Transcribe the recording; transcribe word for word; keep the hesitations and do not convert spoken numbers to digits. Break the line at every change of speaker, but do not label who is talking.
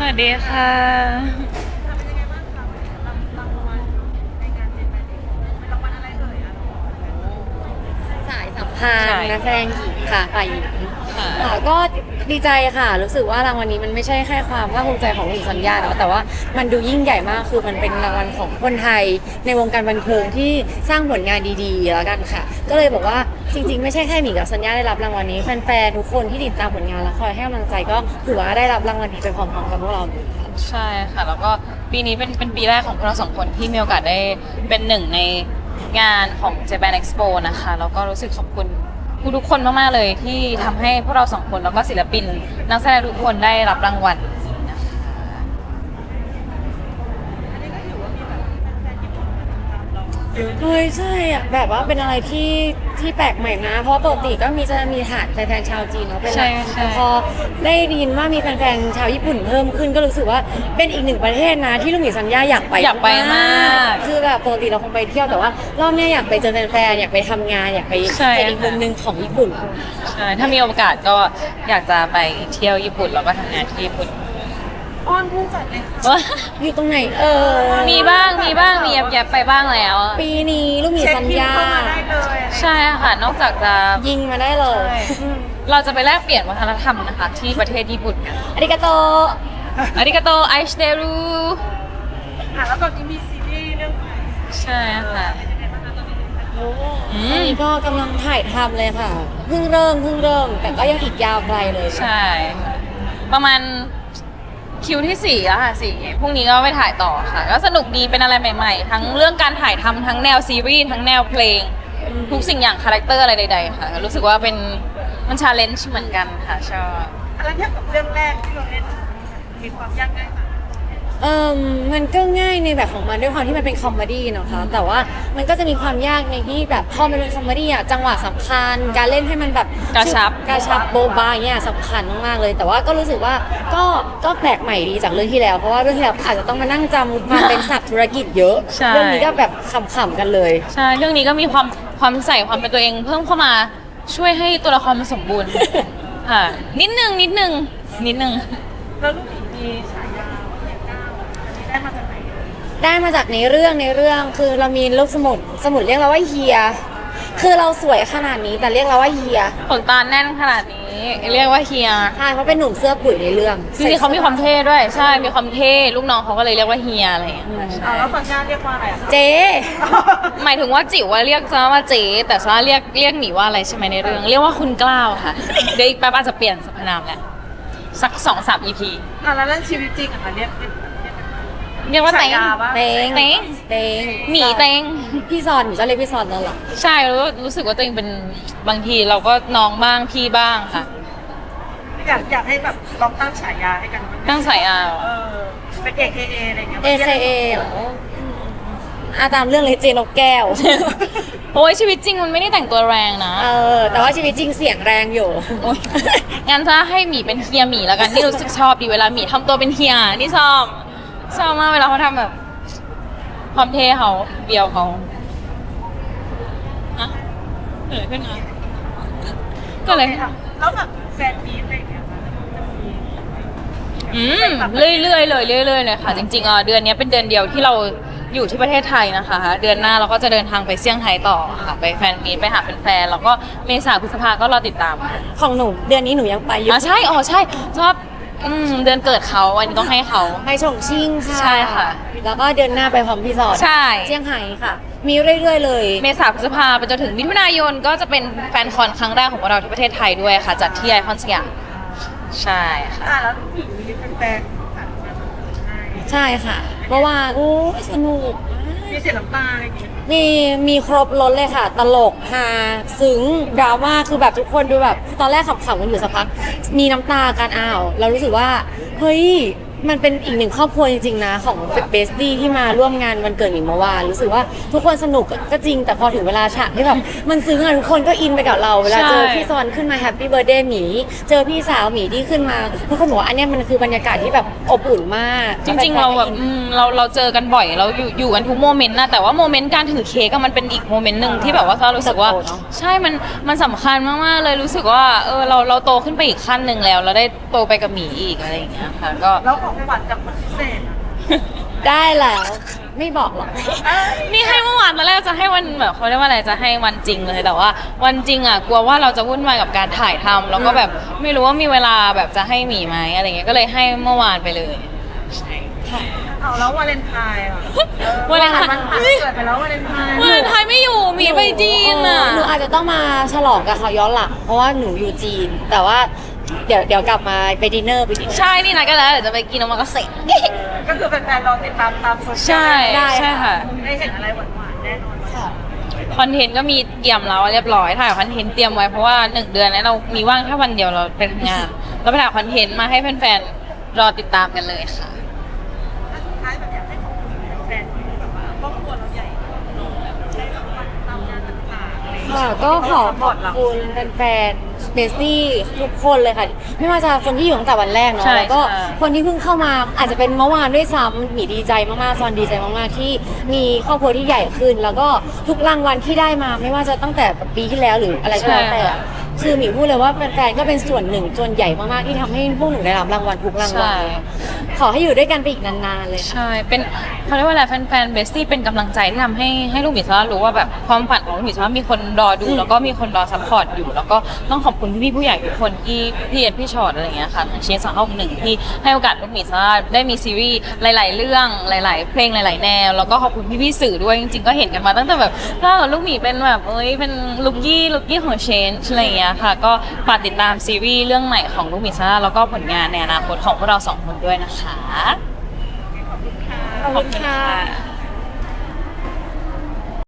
วัสดีค่ะ
สายสัมพันธ์นักแสดงหญิงค่ะฝ่ายหญิงค่ะก็ดีใจค่ะรู้สึกว่ารางวัลนี้มันไม่ใช่แค่ความภาคภูมิใจของหญิงสัญญาเนาะแต่ว่ามันดูยิ่งใหญ่มากคือมันเป็นรางวัลของคนไทยในวงการบันเทิงที่สร้างผลงานดีๆแล้วกันค่ะก็เลยบอกว่าจริงๆไม่ใช่แค่หมีกับสัญญาได้รับรางวัลนี้แฟนๆทุกคนที่ติดตามผลงานและคอยให้กำลังใจก็ถือว่าได้รับรางวัลนี้ไปพร้อมๆกับพวกเราค่ะ
ใช่ค่ะแล้วก็ปีนี้เป็นเป็นปีแรกของพวกเราสองคนที่มีโอกาสได้เป็นหนึ่งในงานของ Japan Expo นะคะแล้วก็รู้สึกขอบคุณทุกๆคนมากๆเลยที่ทำให้พวกเราสองคนแล้วก็ศิลปินนักแสดงทุกคนได้รับรางวัล
เฮ้ยใช่อะแบบว่าเป็นอะไรที่ที่แปลกใหม่นะเพราะปกติก็มีจะมีฐานแฟนๆชาวจีนเนาะเป็นหลักแต่พอได้ยินว่ามีแฟนๆชาวญี่ปุ่นเพิ่มขึ้นก็รู้สึกว่าเป็นอีกหนึ่งประเทศนะที่ลูกหมีสัญญาอยากไป
อยากไปมาก
คือแบบปกติเราคงไปเที่ยวแต่ว่ารอบนี้อยากไปเจอแฟนๆอยากไปทำงานอยากไปเป็นอีกมุมหนึ่งของญี่ปุ่น
ใช่ถ้ามีโอกาสก็อยากจะไปเที่ยวญี่ปุ่นแล้วก็ทำงานที่ญี่ปุ่น
อ้อนผู้จัดเลยอยู่ตรงไหนเออ
มีบ้างมีบ้างมีแยบๆไปบ้างแล้ว
ปีนี้ลูกหมีสัญญา
ใช่ค่ะนอกจากจะ
ยิงมาได้เลย
เราจะไปแลกเปลี่ยนวัฒนธรรมนะคะที่ประเทศญี่ปุ่นกัน
อาริกาโต
อาริกาโตไอชเดรุ
อ่ะแล้วก็มีซีรีส์เรื่องใหม่
ใช่ค่ะ
ตอนนี้ก็กำลังถ่ายทำเลยค่ะเพิ่งเริ่มเพิ่งเริ่มแต่ก็ยังอีกยาวไกลเลย
ใช่ประมาณคิวที่สี่แล้วค่ะสี่พรุ่งนี้ก็ไปถ่ายต่อค่ะก็สนุกดีเป็นอะไรใหม่ๆทั้งเรื่องการถ่ายทำทั้งแนวซีรีส์ทั้งแนวเพลงทุกสิ่งอย่างคาแรคเตอร์อะไรใดๆค่ะรู้สึกว่าเป็นมันชาเลนจ์เหมือนกันค่ะชอบ
อะไรเทียบกับเรื่องแรกที่เราเล่นมีความยากง่ายไหม
เออมันก็ง่ายในแบบของมันด้วยความที่มันเป็นคอมเมดี้เนาะค่ะแต่ว่ามันก็จะมีความยากในที่แบบพอมันเป็นคอมเมดี้อะจังหวะสำคัญการเล่นให้มันแบบ
กระชับ
กระชับโบบาเนี่ยสำคัญมากๆเลยแต่ว่าก็รู้สึกว่าก็ก็แปลกใหม่ดีจากเรื่องที่แล้วเพราะว่าเรื่องที่แล้วอาจจะต้องมานั่งจำมาเป็นศัพท์ธุรกิจเยอะเรื่องนี้ก็แบบขำๆกันเลย
ใช่เรื่องนี้ก็มีความความใส่ความเป็นตัวเองเพิ่มเข้ามาช่วยให้ตัวละครมันสมบูรณ์ค่ะนิดนึงนิดนึงนิดนึง
แล้วลูกหมีมีฉายาว่าเฮียก้าวได้มาจากไหน
ได้มาจากในเรื่องในเรื่องคือเรามีลูกสมุดสมุดเรียกเราว่าเฮียคือเราสวยขนาดนี้แต่เรียกเราว่าเฮีย
ขนตาแน่นขนาดนี้เรียกว่าเฮีย
ใช่เพราะเป็นหนุ่มเสื้อปุ๋ยในเรื่อง
จริงๆเขามีความเท่ด้วยใช่มีความเท่ลูกน้องเขาก็เลยเรียกว่าเฮียอะไรอย่างเงี้ย
อ๋อแล้วสัญญาเรียกว่าอะไร
เจ๊
หมายถึงว่าจิ๋วว่าเรียกซะว่าเจ๊แต่ซะเรียกเรียกหมีว่าอะไรใช่ไหมในเรื่องเรียกว่าคุณกล้าวค่ะเดี๋ยวอีกแป๊บอาจจะเปลี่ยนสรรพนามแหละสักสองสามอีพี
อ่ะแล้วเรื่องชีวิตจริงอ่ะเรียก
เรียกว่าเต็ง
เต็ง
เต็ง
เต็ง
หมีเต็ง
พี่ซอนหนูจะเรียกพี่ซอนนั่นแหละ
ใช่รู้รู้สึกว่าตัวเองเป็นบางทีเราก็น้องบ้างพี่บ้างค่ะ
อยากอยากให้แบบลองตั้งฉายาให้กัน
ตั้งฉายา
เออเป็น เอ เค เอ อะไรเงี้ย
เอ เค เอ เหรออาตามเรื่องเลยเจนกแก้ว
โอ้ยชีวิตจริงมันไม่ได้แต่งตัวแรงนะ
เออแต่ว่าชีวิตจริงเสียงแรงอยู่
งั้นถ้าให้หมีเป็นเฮียหมีแล้วกันนี่รู้สึกชอบดีเวลาหมีทำตัวเป็นเฮียนี่ชอบชอบมากเวลาเขาทำแบบความเท่เขาเบียวเขาฮะเกิดขึ้นมาก็เลย
แล้วแบบแฟนมีอะไรเงี้ย
อืมเรื่อยๆเลยเรื่อยๆเลยค่ะจริงๆอ่ะเดือนนี้เป็นเดือนเดียวที่เราอยู่ที่ประเทศไทยนะคะเดือนหน้าเราก็จะเดินทางไปเซี่ยงไฮ้ต่อค่ะไปแฟนมีตไปหาแฟนๆแล้วก็เมษาพฤษภาก็รอติดตาม
ของหนูเดือนนี้หนูยังไปอยู่
อ๋อใช่อ๋อใช่ชอบอืมเดือนเกิดเขาอันนี้ต้องให้เขา
ไปฉงชิ่งค่ะ
ใช่ค่ะ
แล้วก็เดือนหน้าไปพร้อมพี่ซอน
ใช่
เซี่ยงไฮ้ค่ะมีเรื่อยๆเลย
เมษาพฤษภาไปจนถึงมิถุนายนก็จะเป็นแฟนคอนครั้งแรกของเราที่ประเทศไทยด้วยค่ะจัดที่ไอคอนสยามใช่ค่ะ
อ่ะแล้วมีแฟน
ใช่ค่ะเมื่อวานโอ้สนุก
มีเสียงน้ำตาอะไรอย่างเงี้ย
มีมีครบรถเลยค่ะตลกฮาซึ้งดราม่าคือแบบทุกคนดูแบบตอนแรกขำๆกันอยู่สักพักมีน้ำตาการอ้าวเรารู้สึกว่าเฮ้ยมันเป็นอีกหนึ่งครอบครัวจริงๆนะของเบสตี้ที่มาร่วมงานวันเกิดหมิงเมื่อวานรู้สึกว่าทุกคนสนุกก็จริงแต่พอถึงเวลาฉากที่แบบมันซึ้งอะทุกคนก็อินไปกับเราเวลาเจอพี่ซอนขึ้นมาแฮปปี้เบิร์ธเดย์หมีเจอพี่สาวหมีที่ขึ้นมาทุกคนบอกว่าอันนี้มันคือบรรยากาศที่แบบอบอุ่นมาก
จริงๆเราแบบเราเราเจอกันบ่อยเราอยู่อยู่กันทุกโมเมนต์นะแต่ว่าโมเมนต์การถือเค้กมันเป็นอีกโมเมนต์หนึ่งที่แบบว่าเรารู้สึกว่าใช่มันมันสำคัญมากๆเลยรู้สึกว่าเออเราเราโตขึ้นไปอีกขั้นหนึ่งแล้วเราได้โตไปกับหมีอีกอะไรอย่างเงี้ยค่ะก็
แล้วของขวัญจากคนพิเศษอะ
ได้แล้วไม่บอกหรอก
นี่ให้เมื่อวานตอนแรกจะให้วันแบบเขาเรียกว่าอะไรจะให้วันจริงเลยแต่ว่าวันจริงอ่ะกลัวว่าเราจะวุ่นวายกับการถ่ายทำแล้วก็แบบไม่รู้ว่ามีเวลาแบบจะให้หมีไหมอะไรเงี้ยก็เลยให้เมื่อวานไปเลยใช่ค่ะ
เอาแล้ววาเลนไทน์อ่ะ
วาเลนไทน์
มันผ่านเกิดไปแล้ววาเลนไทน์
วาเลนไทน์ไม่อยู่หมีไปจีนอ่ะ
หนูอาจจะต้องมาฉลองกับเขาย้อนหลังเพราะว่าหนูอยู่จีน แต่ว่าเดี๋ยวเดี๋ยวกลับมาไปดินเนอร์ไปดินเนอร์
ใช่นี่นะก็แล้วเดี๋ยวจะไปกินโอมากาเสะ
ก็คือแฟนๆรอติดตามตามโซเชียล
ใช่
ได้
ใช่ค่ะ
ได้เห็นอะไรหวานๆแน่นอน
ค่ะ
คอนเทนต์ก็มีเตรียมแล้วเรียบร้อยถ่ายคอนเทนต์เตรียมไว้เพราะว่าหนึ่งเดือนนี้เรามีว่างแค่วันเดียวเราไปทำงานเราไปถ่ายคอนเทนต์มาให้แฟนๆรอติดตามกันเลยค่ะ
สุดท้ายแบบอยากให้ขอบคุณแฟนๆที่แบบว่าครอบครัวเราใหญ่โตแบบได้รางวัลตามงานต่างๆอะไรอย่างเงี้ย
ค่ะก็ขอขอบคุณแฟนๆเบสตี้ทุกคนเลยค่ะ ไม่ว่าจะคนที่อยู่ตั้งแต่วันแรกเนาะ
ใช่
แล้วก็
ใช่
คนที่เพิ่งเข้ามาอาจจะเป็นเมื่อวานด้วยซ้ำหมีดีใจมากๆซอนดีใจมากๆที่มีครอบครัวที่ใหญ่ขึ้น แล้วก็ทุกรางวัลที่ได้มาไม่ว่าจะตั้งแต่ปีที่แล้วหรืออะไรก็แล้วแต่อะคือหมีพูดเลยว่าแฟนๆก็เป็นส่วนหนึ่งส่วนใหญ่มากๆที่ทำให้พวกหนูได้รับรางวัลทุกรางวัล
ใช่
ขอให้อยู่ด้วยกันไปอีกนานๆเลยค่ะ
ใช่ เป็นเขาเรียกว่าอะไรแฟนๆเบสตี้เป็นกำลังใจที่ทำให้ให้ลูกหมีซาร่ารู้ว่าแบบความฝันของลูกหมีซาร่ามีคนรอดู แล้วก็มีคนรอซัพพอร์ตอยู่ แล้วก็ต้องขอบคุณพี่ๆผู้ใหญ่ทุกคนที่พี่เอ็ดพี่ชอตอะไรอย่างเงี้ยค่ะทางเชนสองห้าหนึ่งที่ให้โอกาสลูกหมีซาร่าได้มีซีรีส์หลาย ๆ เรื่องหลาย ๆ เพลงหลาย ๆ แนว แล้วก็ขอบคุณพี่ๆสื่อด้วยจริงๆก็เห็นกันมาตั้งแต่แบบถ้าลูกหมีเป็นแบบเอ้ยเป็นลุกยี่ลุกยี่ของเชนอะไรอย่างเงี้ยค่ะก็ฝากติดตามซีรีส์เรื่องใหม่ของลูกหมีซาร่าแล้วก็ผลงานในอนาคตของพวกเราสองคนด้วยนะคะ
ขอบคุณค่ะ